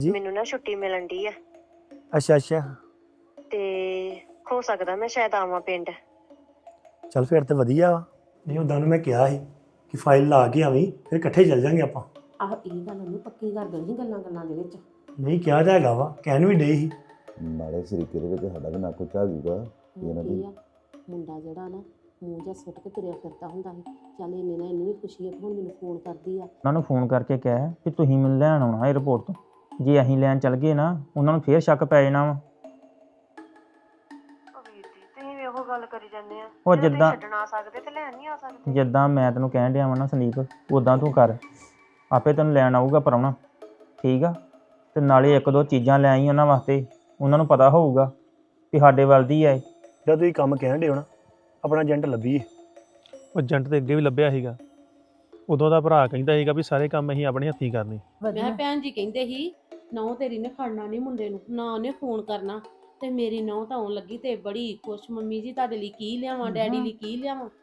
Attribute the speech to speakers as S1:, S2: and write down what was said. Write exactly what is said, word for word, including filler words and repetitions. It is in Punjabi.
S1: ਜੀ
S2: ਮੈਨੂੰ ਨਾ ਛੁੱਟੀ ਮਿਲਣ ਦੀ ਆ
S1: ਅੱਛਾ ਅੱਛਾ
S2: ਤੇ ਹੋ ਸਕਦਾ ਮੈਂ ਸ਼ਾਇਦ ਆਵਾਂ ਪਿੰਡ।
S1: ਚੱਲ ਫਿਰ ਤੇ ਵਧੀਆ ਵਾ। ਨਹੀਂ ਉਦਾਂ ਨੂੰ ਮੈਂ ਕਿਹਾ ਸੀ ਕਿ ਫਾਈਲ ਲਾ ਕੇ ਆਵੀਂ ਫਿਰ ਇਕੱਠੇ ਚੱਲ ਜਾਂਗੇ ਆਪਾਂ।
S3: ਆਹ ਇਹ ਗੱਲ ਉਹਨੂੰ ਪੱਕੀ ਕਰ ਦੇਣੀ ਗੱਲਾਂ ਗੱਲਾਂ ਦੇ ਵਿੱਚ।
S1: ਨਹੀਂ ਕਿਹਾ ਤਾਂ ਹੈਗਾ ਵਾ ਕਹਿਣ ਵੀ ਡੇ ਸੀ।
S4: ਨਾਲੇ ਸਰੀਕੇ ਦੇ ਵਿੱਚ ਸਾਡਾ ਵੀ ਨਾ ਕੁਝ ਆ ਜੂਗਾ ਇਹਨਾਂ ਦੀ।
S3: ਕੀ ਆ ਮੁੰਡਾ ਜਿਹੜਾ ਨਾ ਮੂੰਹ ਜਿਹਾ ਸੁੱਟ ਕੇ ਤੁਰਿਆ ਫਿਰਦਾ ਹੁੰਦਾ ਸੀ। ਚੱਲ ਇੰਨੇ ਨਾਲ ਇਹਨੂੰ ਵੀ ਖੁਸ਼ੀ ਹੈ ਕਿ ਹੁਣ ਮੈਨੂੰ ਫੋਨ ਕਰਦੀ ਆ।
S5: ਉਹਨਾਂ ਨੂੰ ਫੋਨ ਕਰਕੇ ਕਹਿ ਕਿ ਤੁਸੀਂ ਮੈਨੂੰ ਲੈਣ ਆਉਣਾ ਏਅਰਪੋਰਟ ਤੋਂ। ਜੇ ਅਸੀਂ ਲੈਣ ਚੱਲ ਗਏ ਨਾ ਉਹਨਾਂ ਨੂੰ ਫੇਰ ਸ਼ੱਕ ਪੈ ਜਾਣਾ ਵਾ।
S2: ਤੁਸੀਂ ਵੀ ਉਹ ਗੱਲ ਕਰੀ ਜਾਂਦੇ ਆ
S5: ਉਹ ਜਿੱਦਾਂ
S2: ਛੱਡਣ ਆ ਸਕਦੇ ਤੇ ਲੈਣ ਨਹੀਂ ਆ ਸਕਦੇ।
S5: ਜਿੱਦਾਂ ਮੈਂ ਤੈਨੂੰ ਕਹਿਣ ਡਿਆ ਵਾਂ ਨਾ ਸੰਦੀਪ ਉਦਾਂ ਤੂੰ ਕਰ। ਆਪੇ ਤੈਨੂੰ ਲੈਣ ਆਊਗਾ ਪ੍ਰਾਹੁਣਾ ਠੀਕ ਆ। ਤੇ ਨਾਲੇ ਇੱਕ ਦੋ ਚੀਜ਼ਾਂ ਲੈ ਆਈ ਉਹਨਾਂ ਵਾਸਤੇ ਉਹਨਾਂ ਨੂੰ ਪਤਾ ਹੋਊਗਾ ਕਿ ਸਾਡੇ ਵੱਲ ਦੀ ਆ।
S1: ਜਦ ਤੁਸੀਂ ਕੰਮ ਕਹਿਣ ਡੇ ਹੋ ਨਾ ਆਪਣਾ ਏਜੰਟ ਲੱਭੀਏ।
S6: ਉਹ ਏਜੰਟ ਤੇ ਅੱਗੇ ਵੀ ਲੱਭਿਆ ਸੀਗਾ। ਉਦੋਂ ਦਾ ਭਰਾ ਕਹਿੰਦਾ ਸੀਗਾ ਵੀ ਸਾਰੇ ਕੰਮ ਅਸੀਂ ਆਪਣੇ ਹੱਥੀਂ ਕਰਨੇ।
S3: ਮੈਂ ਭੈਣ ਜੀ ਕਹਿੰਦੇ ਸੀ ਨਹੁੰ ਤੇਰੀ ਨੇ ਖੜਨਾ ਨਹੀਂ ਮੁੰਡੇ ਨੂੰ ਨਾ ਉਹਨੇ ਫੋਨ ਕਰਨਾ। ਤੇ ਮੇਰੀ ਨਹੁੰ ਤਾਂ ਆਉਣ ਲੱਗੀ ਤੇ ਬੜੀ ਖੁਸ਼ ਮੰਮੀ ਜੀ ਤੁਹਾਡੇ ਲਈ ਕੀ ਲਿਆਵਾਂ ਡੈਡੀ ਲਈ ਕੀ ਲਿਆਵਾਂ।